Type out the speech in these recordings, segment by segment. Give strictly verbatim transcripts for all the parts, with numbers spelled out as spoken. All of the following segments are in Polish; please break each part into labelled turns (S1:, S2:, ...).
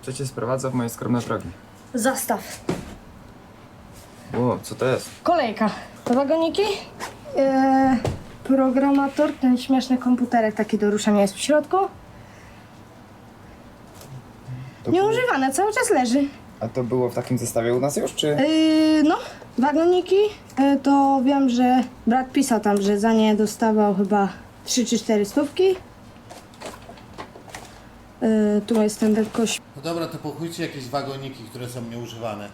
S1: Co cię sprowadza w moje skromne progi?
S2: Zastaw.
S1: Ło, co to jest?
S2: Kolejka. To wagoniki? Eee, programator, ten śmieszny komputerek taki do ruszania jest w środku.
S1: To było...
S2: Nieużywane, cały czas leży.
S1: A to było w takim zestawie u nas już, czy?
S2: Yy, no, wagoniki, yy, to wiem, że brat pisał tam, że za nie dostawał chyba trzy czy cztery stówki. Yy, tu jest ten wielkość
S3: No dobra, to pochujcie jakieś wagoniki, które są nieużywane.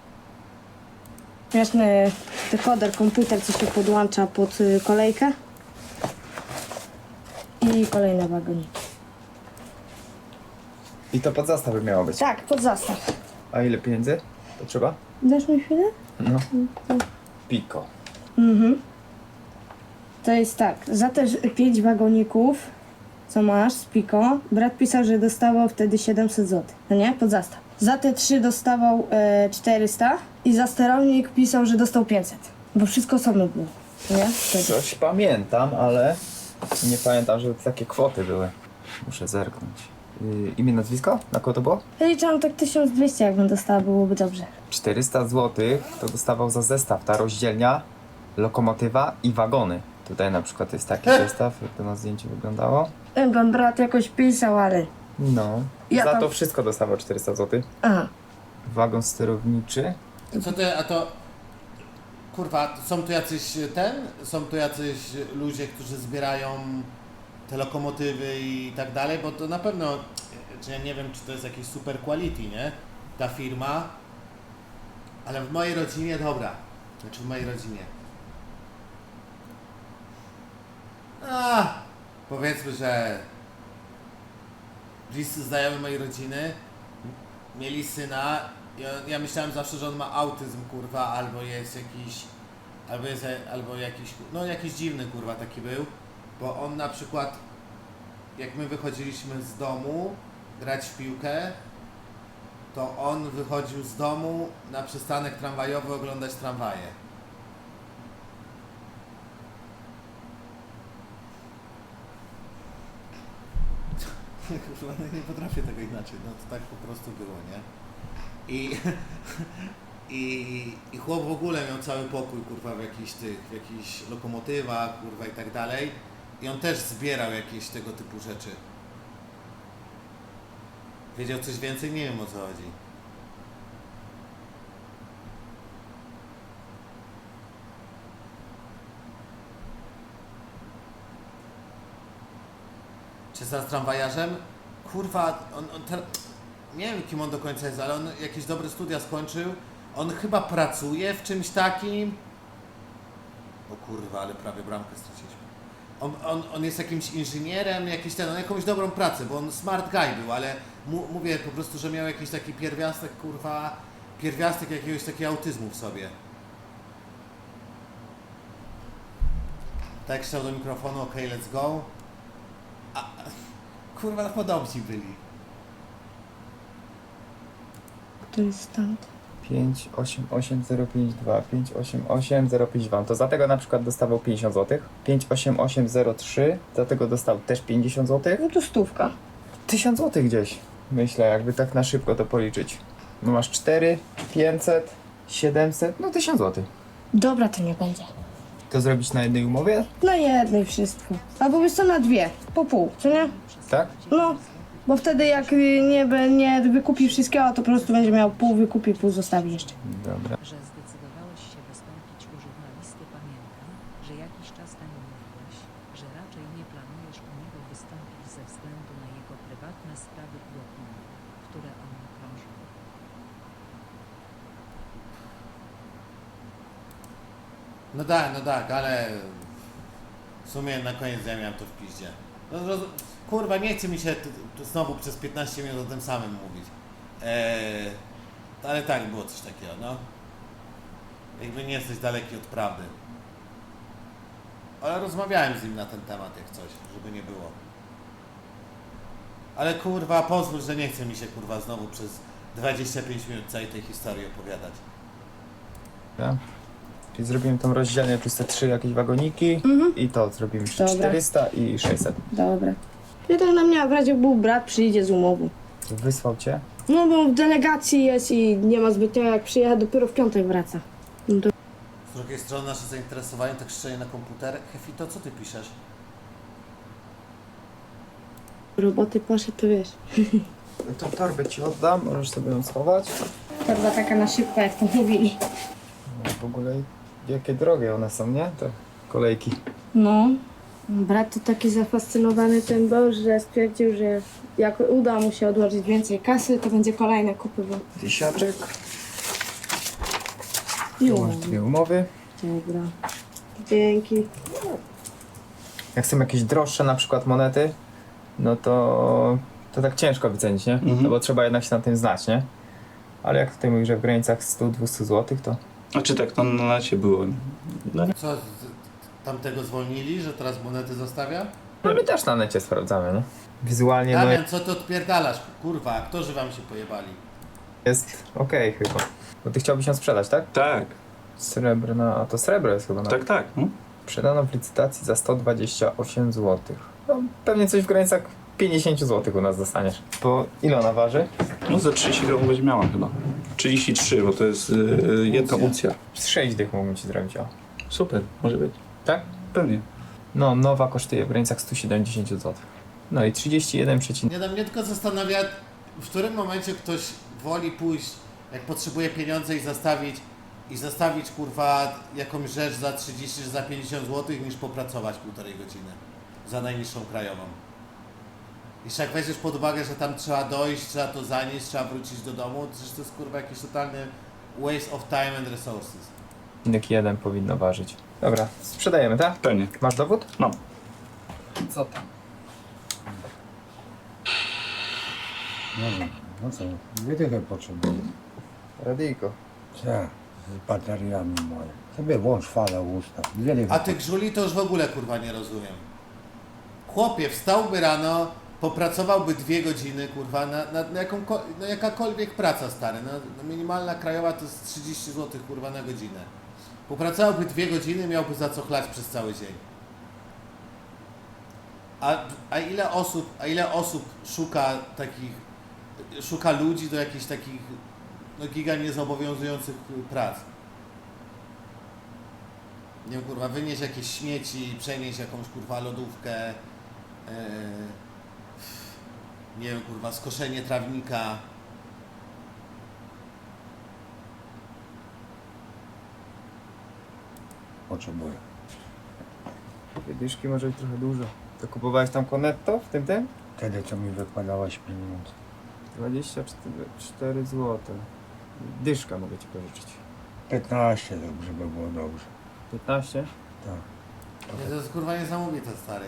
S2: śmieszny dekoder, komputer, co się podłącza pod y, kolejkę. I kolejne wagoniki.
S1: I to pod zastawy miało być.
S2: Tak, pod zastaw.
S1: A ile pieniędzy potrzeba?
S2: Dasz mi chwilę?
S1: No. Piko.
S2: Mhm. To jest tak, za te pięć wagoników, co masz z Piko, brat pisał, że dostawał wtedy siedemset złotych, no nie? Pod zastaw. Za te trzy dostawał e, czterysta i za sterownik pisał, że dostał pięćset. Bo wszystko osobno było, nie? Wtedy.
S1: Coś pamiętam, ale nie pamiętam, żeby takie kwoty były. Muszę zerknąć. Yy, imię, nazwisko? Na kogo to było?
S2: Liczyłam tak tysiąc dwieście, jakbym dostała, byłoby dobrze.
S1: czterysta złotych to dostawał za zestaw. Ta rozdzielnia, lokomotywa i wagony. Tutaj na przykład jest taki zestaw, jak to na zdjęciu wyglądało.
S2: Chyba brat jakoś pisał, ale...
S1: No.
S2: Ja
S1: za
S2: tam-
S1: to wszystko dostawał czterysta złotych.
S2: Aha.
S1: Wagon sterowniczy.
S3: Co to, a to... Kurwa, są tu jacyś ten? Są tu jacyś ludzie, którzy zbierają te lokomotywy i tak dalej, bo to na pewno... Czy ja nie wiem, czy to jest jakieś super quality, nie? Ta firma. Ale w mojej rodzinie, dobra. Znaczy w mojej rodzinie. A, powiedzmy, że bliscy znajomi mojej rodziny mieli syna. Ja, ja myślałem zawsze, że on ma autyzm, kurwa, albo jest jakiś, albo jest, albo jakiś, no jakiś dziwny, kurwa, taki był, bo on na przykład, jak my wychodziliśmy z domu grać w piłkę, to on wychodził z domu na przystanek tramwajowy oglądać tramwaje. Kurwa, no nie potrafię tego inaczej, no to tak po prostu było, nie? I, i, i chłop w ogóle miał cały pokój, kurwa, w jakichś tych, w jakichś lokomotywach, kurwa, i tak dalej. I on też zbierał jakieś tego typu rzeczy. Wiedział coś więcej? Nie wiem, o co chodzi. Czy za tramwajarzem? Kurwa, on, on te... nie wiem, kim on do końca jest, ale on jakieś dobre studia skończył. On chyba pracuje w czymś takim. O kurwa, ale prawie bramkę straciliśmy. On, on, on jest jakimś inżynierem, jakiś ten, on jakąś dobrą pracę, bo on smart guy był, ale mu, mówię po prostu, że miał jakiś taki pierwiastek, kurwa, pierwiastek jakiegoś takiego autyzmu w sobie. Tak chciał do mikrofonu, ok, let's go. A, kurwa, no podobni byli.
S2: To jest stąd.
S1: pięć osiem osiem zero pięć dwa, pięć osiem osiem zero pięć dwa. To za tego na przykład dostawał pięćdziesiąt złotych. pięć osiem osiem zero trzy, za tego dostał też pięćdziesiąt złotych.
S2: No to stówka.
S1: tysiąc złotych gdzieś. Myślę, jakby tak na szybko to policzyć. No masz cztery, pięćset, siedemset, no tysiąc złotych.
S2: Dobra, to nie będzie.
S1: To zrobić na jednej umowie?
S2: Na jednej wszystko. Albo wiesz co, na dwie. Po pół, co nie?
S1: Tak?
S2: No, bo wtedy jak y, nie, be- nie wykupi wszystkiego, to po prostu będzie miał pół wykupi, pół zostawi jeszcze.
S1: Dobra.
S4: Że zdecydowałeś się wystąpić u żurnalisty, pamiętam, że jakiś czas temu mówiłeś, że raczej nie planujesz u niego wystąpić ze względu na jego prywatne sprawy błotniowe, które o nim krążą.
S3: No tak, no tak, ale w sumie na koniec ja miałem to w piździe. No, roz... Kurwa, nie chce mi się t- t- znowu przez piętnaście minut o tym samym mówić. Eee, ale tak, było coś takiego, no. Jakby nie jesteś daleki od prawdy. Ale rozmawiałem z nim na ten temat, jak coś, żeby nie było. Ale kurwa, pozwól, że nie chce mi się kurwa znowu przez dwadzieścia pięć minut całej tej historii opowiadać.
S1: Ja. Czyli zrobimy tą rozdzielnię, plus te trzy jakieś wagoniki
S2: Mhm.
S1: i to zrobimy jeszcze
S2: Dobra.
S1: czterysta i sześćset.
S2: Dobra. I tak na mnie, w razie był brat, przyjdzie z umową.
S1: Wysłał cię?
S2: No bo w delegacji jest i nie ma zbytnio jak przyjechać, dopiero w piątek wraca. No to
S3: Z drugiej strony nasze zainteresowanie tak szczerze na komputer. Hefito, co ty piszesz?
S2: roboty poszedł, to wiesz.
S1: Tą torbę ci oddam, możesz sobie ją schować.
S2: Torba taka na szybko, jak to mówili.
S1: No, w ogóle jakie drogie one są, nie? Te kolejki.
S2: No, brat to taki zafascynowany tym był, że stwierdził, że jak uda mu się odłożyć więcej kasy, to będzie kolejne kupywał.
S1: Tysiaczek.
S2: Jo.
S1: Tu masz dwie umowy.
S2: Dobra. Dzięki.
S1: Jak są jakieś droższe na przykład monety, no to, to tak ciężko wycenić, nie?
S5: Mhm.
S1: No bo trzeba jednak się na tym znać, nie? Ale jak tutaj mówisz, że w granicach sto do dwustu złotych, to
S5: A czy tak to na lecie było? No, nie.
S3: Co, z- tamtego zwolnili, że teraz monety zostawia?
S1: no my też na necie sprawdzamy, nie? Wizualnie no
S3: Damian, co ty odpierdalasz? Kurwa, aktorzy wam się pojebali.
S1: jest okej chyba. Bo ty chciałbyś ją sprzedać, tak?
S5: Tak,
S1: Srebrna, a to srebro jest chyba na...
S5: tak, tak. No.
S1: Sprzedano w licytacji za sto dwadzieścia osiem złotych. No pewnie coś w granicach pięćdziesiąt złotych u nas dostaniesz. Bo ile ona waży?
S5: No za trzydzieści gramów będzie miała chyba. trzydzieści trzy, bo to jest yy, jedna uncja.
S1: Z sześć dych mógłbym ci zrobić, o.
S5: Super, może być.
S1: Tak?
S5: Pewnie.
S1: No, nowa kosztuje w granicach sto siedemdziesiąt złotych. No i trzydzieści jeden przecinek.
S3: Nie, no mnie tylko zastanawia, w którym momencie ktoś woli pójść, jak potrzebuje pieniądze i zastawić, i zastawić kurwa jakąś rzecz za trzydzieści czy za pięćdziesiąt złotych, niż popracować półtorej godziny za najniższą krajową. Jeszcze jak weźmiesz pod uwagę, że tam trzeba dojść, trzeba to zanieść, trzeba wrócić do domu, to przecież to jest kurwa jakiś totalny waste of time and resources.
S1: Odcinek jeden powinno ważyć. Dobra, sprzedajemy, tak?
S5: Pewnie.
S1: Masz dowód?
S5: No.
S1: Co tam?
S6: No, no co, dwie dychy potrzebuję.
S1: Radyjko.
S6: Co? Z bateriami moje. Sobie włącz falę ustaw. Dwie dychy.
S3: A tych żuli to już w ogóle kurwa nie rozumiem. Chłopie, wstałby rano, popracowałby dwie godziny, kurwa, na, na, na, jaką, na jakakolwiek praca, stary. No, no minimalna krajowa to jest trzydzieści złotych, kurwa, na godzinę. Popracowałby dwie godziny, miałby za co chlać przez cały dzień. A, a ile osób, a ile osób szuka takich, szuka ludzi do jakichś takich, no giga niezobowiązujących prac? Nie wiem, kurwa, wynieść jakieś śmieci, przenieść jakąś, kurwa, lodówkę, yy, nie wiem, kurwa, skoszenie trawnika.
S6: Potrzebuję.
S1: Dwie dyszki może być trochę dużo. To kupowałeś tam Cornetto w tym tym?
S6: Wtedy co mi wykładałeś pieniądze.
S1: dwadzieścia cztery złote. Dyszka mogę ci pożyczyć.
S6: piętnaście zrób, żeby było dobrze.
S1: piętnaście?
S6: Tak.
S3: Nie, to jest, kurwa, niesamowite, stary.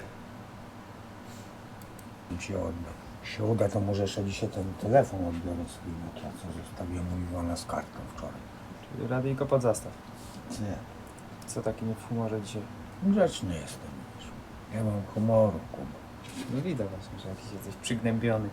S6: I ci oddam. Jak się uda, to może jeszcze dzisiaj ten telefon odbiorę swój Nokia, co zostawiłem u Iwana z kartą wczoraj.
S1: Czyli radyjko pod zastaw.
S6: Nie.
S1: Co taki nie w humorze dzisiaj?
S6: Grzeczny jestem, wiesz. Nie mam humoru, Kuba.
S1: No widać właśnie, że jakiś jesteś przygnębiony.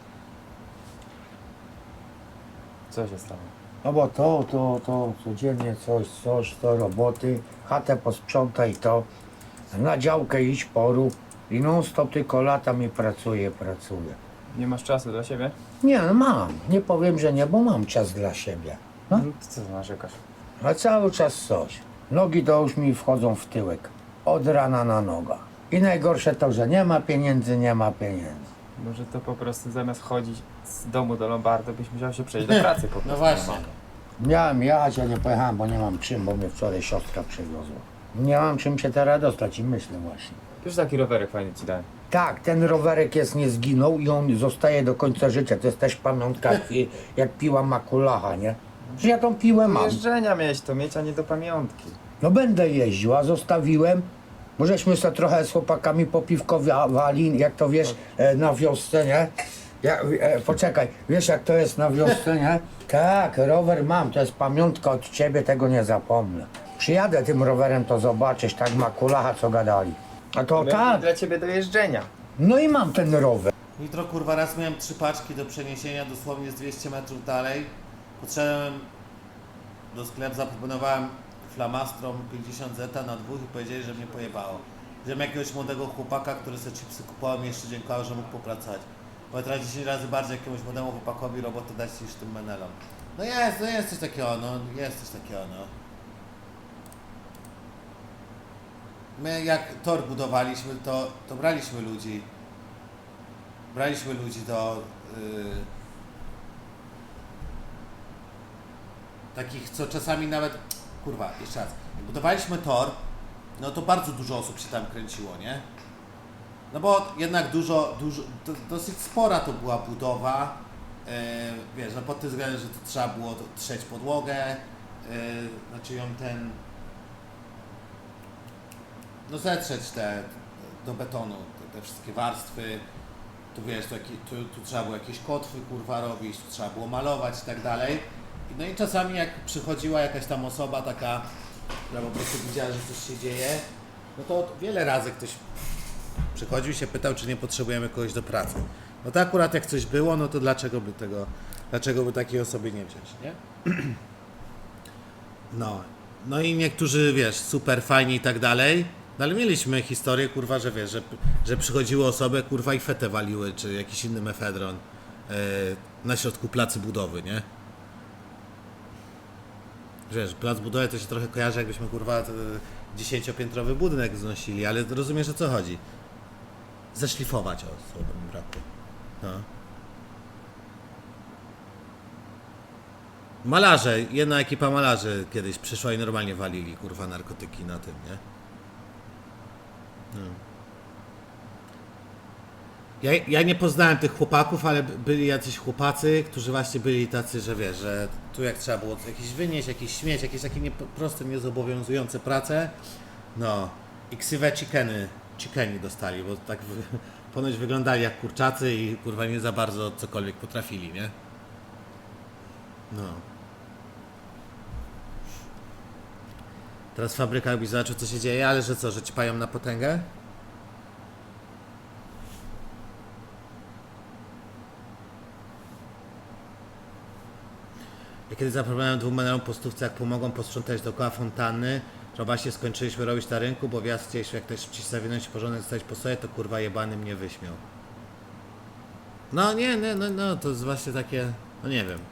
S1: Co się stało?
S6: No bo to, to, to, codziennie coś, coś, to roboty, chatę posprzątaj to, na działkę iść porób i non stop tylko latam i pracuję, pracuję.
S1: Nie masz czasu dla siebie?
S6: Nie, no mam, nie powiem, że nie, bo mam czas dla siebie. No.
S1: No to co narzekasz?
S6: A cały czas coś. Nogi to już mi wchodzą w tyłek, od rana na noga. I najgorsze to, że nie ma pieniędzy, nie ma pieniędzy.
S1: Może to po prostu zamiast chodzić z domu do Lombardu, byś musiał się przejść do pracy po prostu.
S3: No właśnie.
S6: Miałem jechać, a nie pojechałem, bo nie mam czym, bo mnie wczoraj siostra przywiozła. Nie mam czym się teraz dostać i myślę właśnie.
S1: Już taki rowerek fajny ci dałem.
S6: Tak, ten rowerek jest nie zginął i on zostaje do końca życia. To jest też pamiątka, jak, jak piła makulacha, nie? Że ja tą piłę
S1: Do
S6: mam.
S1: jeżdżenia mieć to mieć, a nie do pamiątki.
S6: No będę jeździł, a zostawiłem. Bo żeśmy sobie trochę z chłopakami popiwkowali, jak to wiesz, e, na wiosce, nie? Ja, e, poczekaj, wiesz jak to jest na wiosce, nie? Tak, rower mam, to jest pamiątka od ciebie, tego nie zapomnę. Przyjadę tym rowerem, to zobaczysz, tak makulacha, co gadali. A to
S1: Dla-
S6: tak,
S1: Dla ciebie do jeżdżenia.
S6: no i mam ten rower.
S3: Jutro, kurwa, raz miałem trzy paczki do przeniesienia dosłownie z dwieście metrów dalej. Podszedłem do sklepu, zaproponowałem flamastrom pięćdziesiąt zeta na dwóch i powiedzieli, że mnie pojebało. Wziąłem jakiegoś młodego chłopaka, który sobie chipsy kupował i jeszcze dziękował, że mógł popracować. bo teraz dziesięć razy bardziej jakiemuś młodemu chłopakowi robotę dać niż tym menelom. No jest, no jest coś takiego, no jest coś takiego, no. My jak tor budowaliśmy, to, to braliśmy ludzi. Braliśmy ludzi do yy, takich, co czasami nawet, kurwa, jeszcze raz, jak budowaliśmy tor, no to bardzo dużo osób się tam kręciło, nie? No bo jednak dużo, dużo, to, dosyć spora to była budowa, yy, wiesz, no pod tym względem, że to trzeba było trzeć podłogę, yy, znaczy ją ten, no zetrzeć te, do betonu, te, te wszystkie warstwy, tu wiesz, tu, tu, tu trzeba było jakieś kotwy, kurwa, robić, tu trzeba było malować i tak dalej. No i czasami jak przychodziła jakaś tam osoba taka, która po prostu widziała, że coś się dzieje, no to wiele razy ktoś przychodził i się pytał, czy nie potrzebujemy kogoś do pracy. No to akurat jak coś było, no to dlaczego by tego, dlaczego by takiej osoby nie wziąć, nie? No, no i niektórzy, wiesz, super fajni i tak dalej, no ale mieliśmy historię, kurwa, że wiesz, że, że przychodziły osoby, kurwa, i fetę waliły, czy jakiś inny mefedron yy, na środku placu budowy, nie? Wiesz, plac budowy to się trochę kojarzy, jakbyśmy, kurwa, dziesięciopiętrowy budynek znosili, ale rozumiesz, o co chodzi. Zeszlifować, o, słowo mi brakło. No. Malarze, jedna ekipa malarzy kiedyś przyszła i normalnie walili, kurwa, narkotyki na tym, nie? No. Ja, ja nie poznałem tych chłopaków, ale byli jacyś chłopacy, którzy właśnie byli tacy, że wiesz, że tu jak trzeba było jakiś wynieść, jakiś śmieć, jakieś takie nie, proste, niezobowiązujące prace, no i ksywę chickeny, chickeni dostali, bo tak wy, ponoć wyglądali jak kurczacy i kurwa nie za bardzo cokolwiek potrafili, nie? No. Teraz w fabrykach byś zobaczył, co się dzieje, ale że co, że ci pają na potęgę? Ja kiedy zaproponowałem dwóm menelom po stówce, jak pomogą posprzątać dookoła fontanny, że właśnie skończyliśmy robić na rynku, bo wjazd chcieliśmy jak najszybciej zawinąć i porządek zostać po sobie, to kurwa jebany mnie wyśmiał. No nie, nie, no, no to jest właśnie takie, no nie wiem.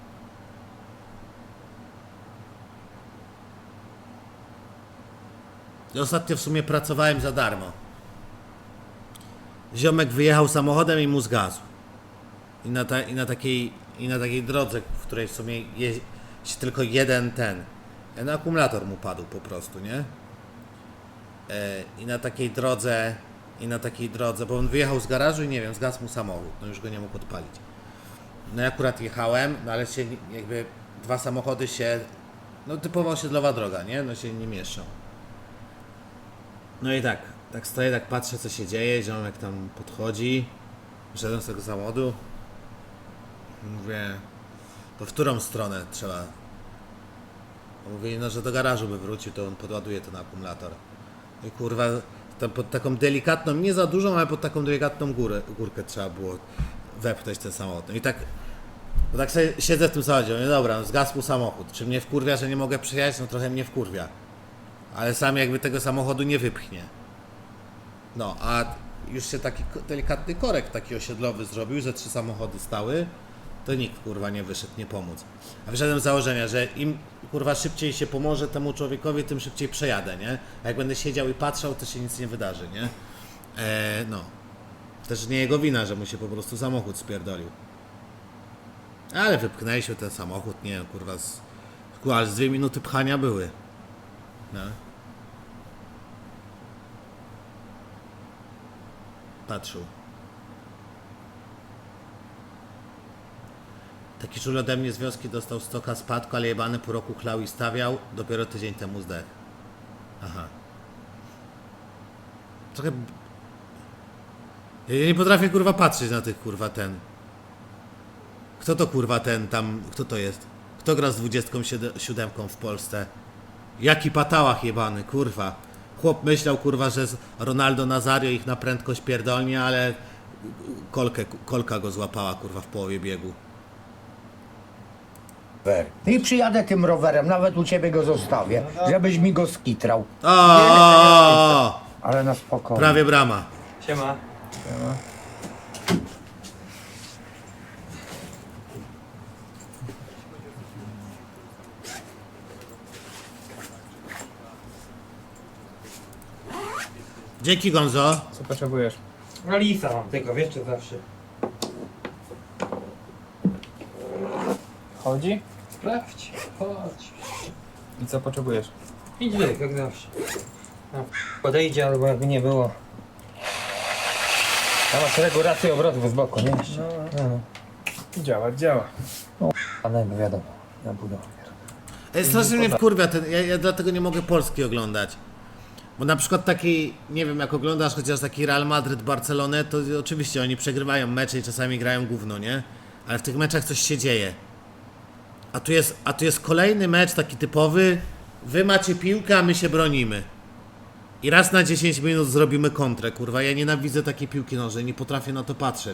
S3: I ostatnio w sumie pracowałem za darmo. Ziomek wyjechał samochodem i mu zgasł. I na, ta, i na takiej i na takiej drodze, w której w sumie jest tylko jeden ten, ten akumulator mu padł po prostu, nie? E, I na takiej drodze, i na takiej drodze, bo on wyjechał z garażu i nie wiem, zgasł mu samochód, no już go nie mógł odpalić. No i akurat jechałem, no ale się jakby dwa samochody się, no typowo osiedlowa droga, nie? No się nie mieszczą. No i tak, tak stoję, tak patrzę, co się dzieje, ziomek tam podchodzi, wyszedłem z tego samochodu. Mówię, to w którą stronę trzeba? Mówi, no że do garażu by wrócił, to on podładuje ten akumulator. I kurwa, tam pod taką delikatną, nie za dużą, ale pod taką delikatną górę, górkę trzeba było wepchnąć ten samochód. No i tak, bo tak sobie siedzę w tym samochodzie, mówię, dobra, no zgasł mu samochód. Czy mnie wkurwia, że nie mogę przyjechać? No trochę mnie wkurwia. Ale sam jakby tego samochodu nie wypchnie. No, a już się taki delikatny korek taki osiedlowy zrobił, że trzy samochody stały, to nikt kurwa nie wyszedł nie pomóc. A wyszedłem z założenia, że im kurwa szybciej się pomoże temu człowiekowi, tym szybciej przejadę, nie? A jak będę siedział i patrzał, to się nic nie wydarzy, nie? Eee, no. Też nie jego wina, że mu się po prostu samochód spierdolił. Ale wypchnęliśmy ten samochód, nie wiem, kurwa, z, kurwa, ale z dwie minuty pchania były. No. Patrzył. Taki czul ode mnie z wioski dostał stoka spadku, ale jebany po roku chlał i stawiał, dopiero tydzień temu zdech. Aha. Trochę... Ja nie potrafię kurwa patrzeć na tych kurwa ten. Kto to kurwa ten tam, kto to jest? Kto gra z dwudziestką siódemką w Polsce? Jaki patałach jebany, kurwa. Chłop myślał kurwa, że Ronaldo Nazario ich na prędkość pierdolnie, ale kolkę, kolka go złapała kurwa w połowie biegu.
S6: I przyjadę tym rowerem, nawet u ciebie go zostawię, żebyś mi go skitrał.
S3: O,
S6: Ale na spokojnie.
S3: prawie brama.
S7: Siema.
S3: Dzięki, Gonzo.
S1: Co potrzebujesz?
S7: No lisa mam tylko, wiesz, czy zawsze.
S1: Chodzi?
S7: Sprawdź, chodź.
S1: I co potrzebujesz?
S7: Idź jak, jak zawsze. No, podejdzie albo jakby nie było. Tam masz regulację obrotów z boku, nie? Jeszcze. No, no.
S1: Działa, działa.
S7: Ale no wiadomo, na budowie.
S3: Ej, strasznie mnie wkurwia ten, ja, ja dlatego nie mogę Polski oglądać. Bo na przykład taki, nie wiem, jak oglądasz chociaż taki Real Madryt, Barcelonę, to oczywiście oni przegrywają mecze i czasami grają gówno, nie? Ale w tych meczach coś się dzieje. A tu jest, a tu jest kolejny mecz taki typowy, wy macie piłkę, a my się bronimy. I raz na dziesięć minut zrobimy kontrę, kurwa. Ja nienawidzę takiej piłki nożnej, nie potrafię na to patrzeć.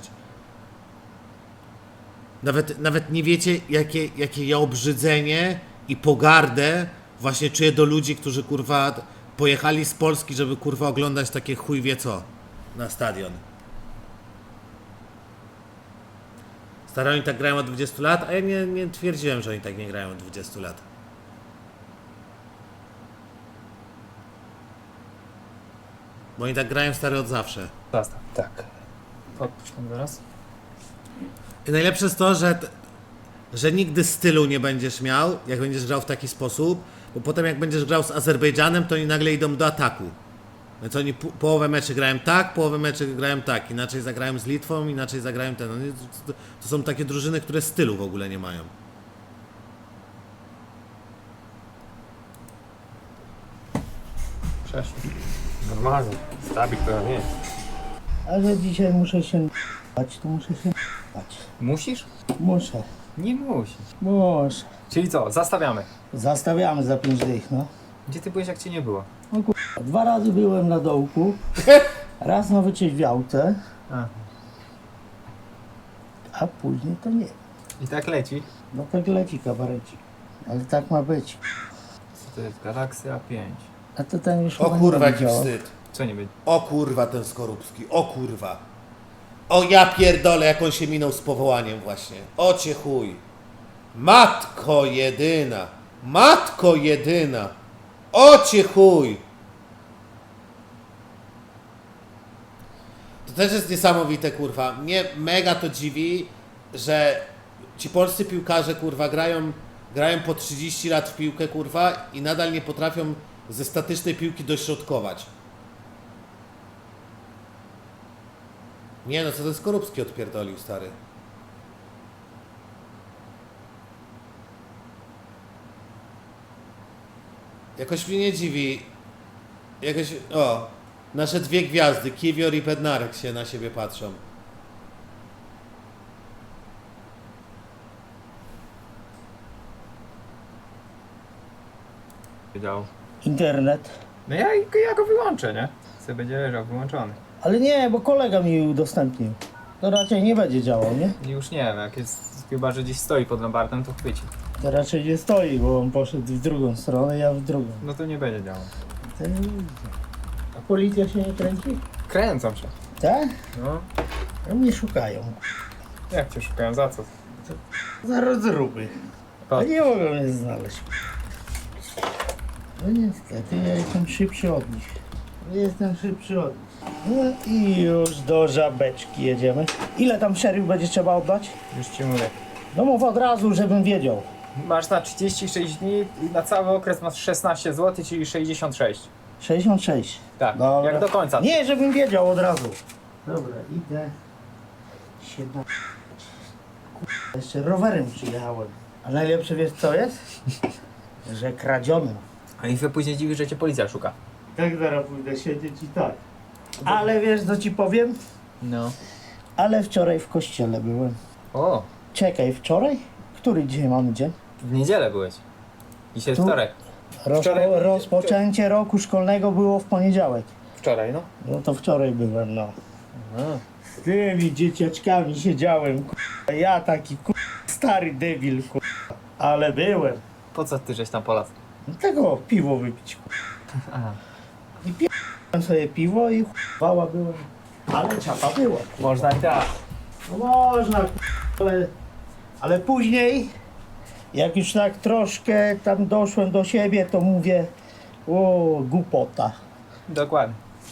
S3: Nawet, nawet nie wiecie, jakie, jakie ja obrzydzenie i pogardę właśnie czuję do ludzi, którzy kurwa pojechali z Polski, żeby kurwa oglądać takie chuj wie co na stadion. Stary, oni tak grają od dwudziestu lat, a ja nie, nie twierdziłem, że oni tak nie grają od dwudziestu lat. Bo oni tak grają, stary, od zawsze.
S1: Zastaw.
S7: Tak.
S1: Odpuść tam zaraz.
S3: I najlepsze jest to, że, t- że nigdy stylu nie będziesz miał, jak będziesz grał w taki sposób, bo potem jak będziesz grał z Azerbejdżanem, to oni nagle idą do ataku. Więc oni po- połowę meczy grają tak, połowę meczy grają tak, inaczej zagrają z Litwą, inaczej zagrają ten. Oni, to, to są takie drużyny, które stylu w ogóle nie mają.
S1: Przeszło.
S7: Normalnie. Stabik to nie jest.
S6: Ale dzisiaj muszę się bać, to muszę się bać.
S1: Musisz?
S6: Muszę,
S1: Nie musisz.
S6: muszę.
S1: Czyli co, zastawiamy.
S6: Zastawiamy za pięć dych, no.
S1: Gdzie ty byłeś, jak cię nie było?
S6: Dwa razy byłem na dołku, raz na wyczeźwiałce,
S1: A.
S6: a później to nie.
S1: I tak leci.
S6: No tak leci kabarecik. Ale tak ma być.
S1: Co to jest? Galaxia pięć.
S6: A to ten już
S3: O
S6: chyba
S3: kurwa,
S6: nie
S3: jaki
S6: będzie działał.
S3: wstyd.
S1: Co nie będzie?
S3: O kurwa, ten Skorupski. O kurwa. O ja pierdolę, jak on się minął z powołaniem właśnie. O cię chuj. Matko jedyna. Matko jedyna. O cię chuj. To też jest niesamowite, kurwa. Mnie mega to dziwi, że ci polscy piłkarze, kurwa, grają, grają po trzydzieści lat w piłkę, kurwa, i nadal nie potrafią ze statycznej piłki dośrodkować. Nie no, co ten Skorupski odpierdolił, stary. Jakoś mnie nie dziwi. Jakoś, o, nasze dwie gwiazdy, Kiwior i Bednarek się na siebie patrzą.
S1: Wiedział.
S6: Internet.
S1: No ja, ja go wyłączę, nie? Co będzie leżał wyłączony.
S6: Ale nie, bo kolega mi udostępnił. To raczej nie będzie działał, nie?
S1: I już nie wiem, jak jest chyba, że gdzieś stoi pod lombardem, to chwyci.
S6: To raczej nie stoi, bo on poszedł w drugą stronę, ja w drugą.
S1: No to nie będzie działał.
S6: To nie idzie. A policja się nie kręci?
S1: Kręcą się.
S6: Tak?
S1: No.
S6: A mnie szukają.
S1: Jak cię szukają? Za co?
S6: Za rozruby. A nie mogą mnie znaleźć. No niestety, ja jestem szybszy od nich. Jestem szybszy od nich. No i już do żabeczki jedziemy. Ile tam szeryf będzie trzeba oddać?
S1: Już ci mówię.
S6: No mów od razu, żebym wiedział.
S1: Masz na trzydzieści sześć dni i na cały okres masz szesnaście złotych, czyli sześćdziesiąt sześć.
S6: sześćdziesiąt sześć.
S1: Tak,
S6: Dobra.
S1: jak do końca.
S6: Nie, żebym wiedział od razu. Dobra, idę. siedemnaście. Kurwa, jeszcze rowerem przyjechałem. A najlepsze wiesz co jest? Że kradziono.
S1: A i się później dziwi, że cię policja szuka.
S6: Tak zaraz pójdę siedzieć i tak. Ale wiesz co ci powiem?
S1: No.
S6: Ale wczoraj w kościele byłem.
S1: O,
S6: Czekaj, wczoraj? Który dzisiaj mamy dzień?
S1: w niedzielę byłeś. Dzisiaj
S6: Tu-
S1: wtorek.
S6: Rozpo,
S1: Wczoraj-
S6: rozpoczęcie roku szkolnego było w poniedziałek.
S1: Wczoraj, no.
S6: No to wczoraj byłem, no.
S1: A.
S6: Z tymi dzieciaczkami siedziałem, kurwa. Ja taki kurwa, stary debil, kurwa. Ale byłem.
S1: Po co ty żeś tam polas?
S6: No tego piwo wypić, kurwa.
S1: Aha.
S6: I piłem sobie piwo i chwała byłem. Ale czapa była.
S1: Można i tak.
S6: No można, kurwa, ale, ale później, jak już tak troszkę tam doszłem do siebie, to mówię, o, głupota.
S1: Dokładnie.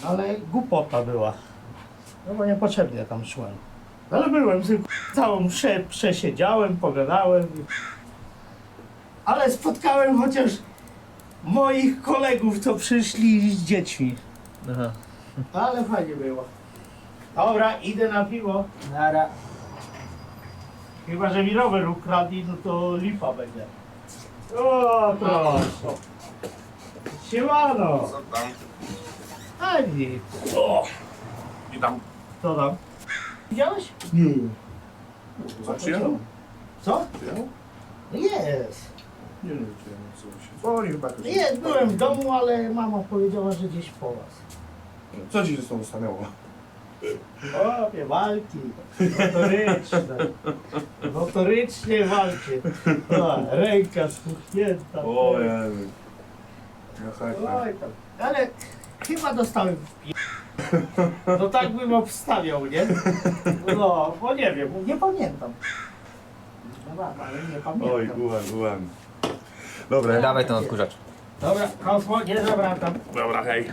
S8: Ale głupota była. No bo niepotrzebnie tam szłem. Ale byłem, sobie całą mszę przesiedziałem, pogadałem. i- Ale spotkałem chociaż moich kolegów, co przyszli z dziećmi.
S1: Aha.
S8: Ale fajnie było. Dobra, idę na piwo. Nara. Chyba, że mi rower ukradli, no to lipa będzie. O, proszę. Siemano.
S5: Co tam?
S8: A nic. O,
S5: Witam.
S8: co tam? Widziałeś?
S5: Nie. Co, przyjechał?
S8: Co?
S5: Przyjechał?
S8: Jest.
S5: Nie, nie, przyjechał. Co się dzwoni chyba jakoś.
S8: Jest, byłem w domu, ale mama powiedziała, że gdzieś po was.
S5: Co ci się z tą stanęło?
S8: O, nie walki. Notoryczne. Notorycznie walczy. O, ręka spuchnięta.
S5: Ojej.
S8: Oj tam. Ale chyba dostałem w pi... No tak bym obstawiał, nie? No, bo nie wiem, nie pamiętam. No tak, ale nie pamiętam.
S5: Oj, byłem, byłem. Dobra,
S1: Dawaj ten odkurzacz.
S8: Dobra, hasło, nie zawracam.
S5: dobra, hej.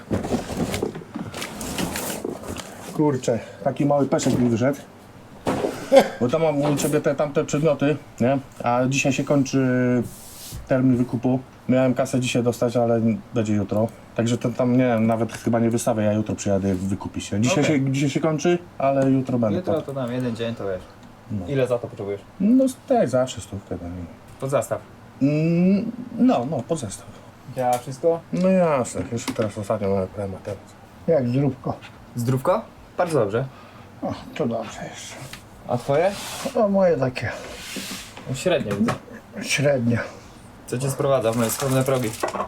S5: Kurczę, taki mały peszek mi wyszedł. Bo tam mam u ciebie te tamte przedmioty, nie? A dzisiaj się kończy termin wykupu. Miałem kasę dzisiaj dostać, ale będzie jutro. Także to tam, nie wiem, nawet chyba nie wystawię, ja jutro przyjadę wykupić się. Dzisiaj,
S1: Okej.
S5: się, dzisiaj się kończy, ale jutro będę.
S1: Jutro
S5: tak.
S1: to dam jeden dzień, to wiesz.
S5: No.
S1: Ile za to potrzebujesz?
S5: No tak, zawsze stówkę. No,
S1: Pod zastaw.
S5: Mm, no, no, pod zestaw.
S1: Działa wszystko?
S5: No jasne, jeszcze teraz ostatnio mamy temat.
S6: Jak zdrówko.
S1: Zdrówko? Bardzo dobrze.
S6: O, to dobrze jest.
S1: A twoje?
S6: O, moje takie
S1: No, średnio widzę.
S6: średnie.
S1: Co cię sprowadza w moje skromne progi?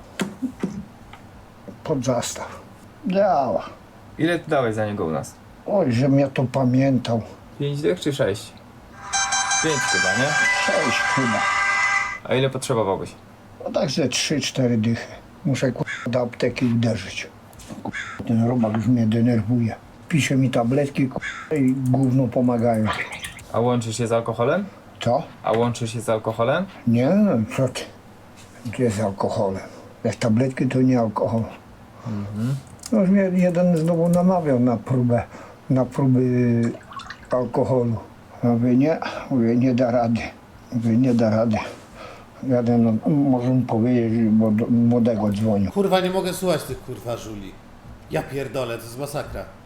S6: Pod zastaw. Działa.
S1: Ile ty dałeś za niego u nas?
S6: Oj, że mnie to pamiętał.
S1: Pięć dych czy sześć? Pięć chyba, nie?
S6: Sześć chyba.
S1: A ile potrzebowałbyś?
S6: No tak ze trzy, cztery dychy. Muszę k***a do apteki uderzyć. K***a, ten robak już mnie denerwuje. Pisze mi tabletki k***a, i gówno pomagają.
S1: A łączysz się z alkoholem?
S6: Co?
S1: A łączysz się z alkoholem?
S6: Nie, no co ty? To jest alkoholem. Jak tabletki to nie alkohol. No już mnie jeden znowu namawiał na próbę, na próby alkoholu. Ja mówię, nie, mówię, nie da rady. Mówię, nie da rady. Jadę, no, może mu powiedzieć, bo do młodego dzwonił.
S3: Kurwa, nie mogę słuchać tych kurwa żuli. Ja pierdolę, to jest masakra.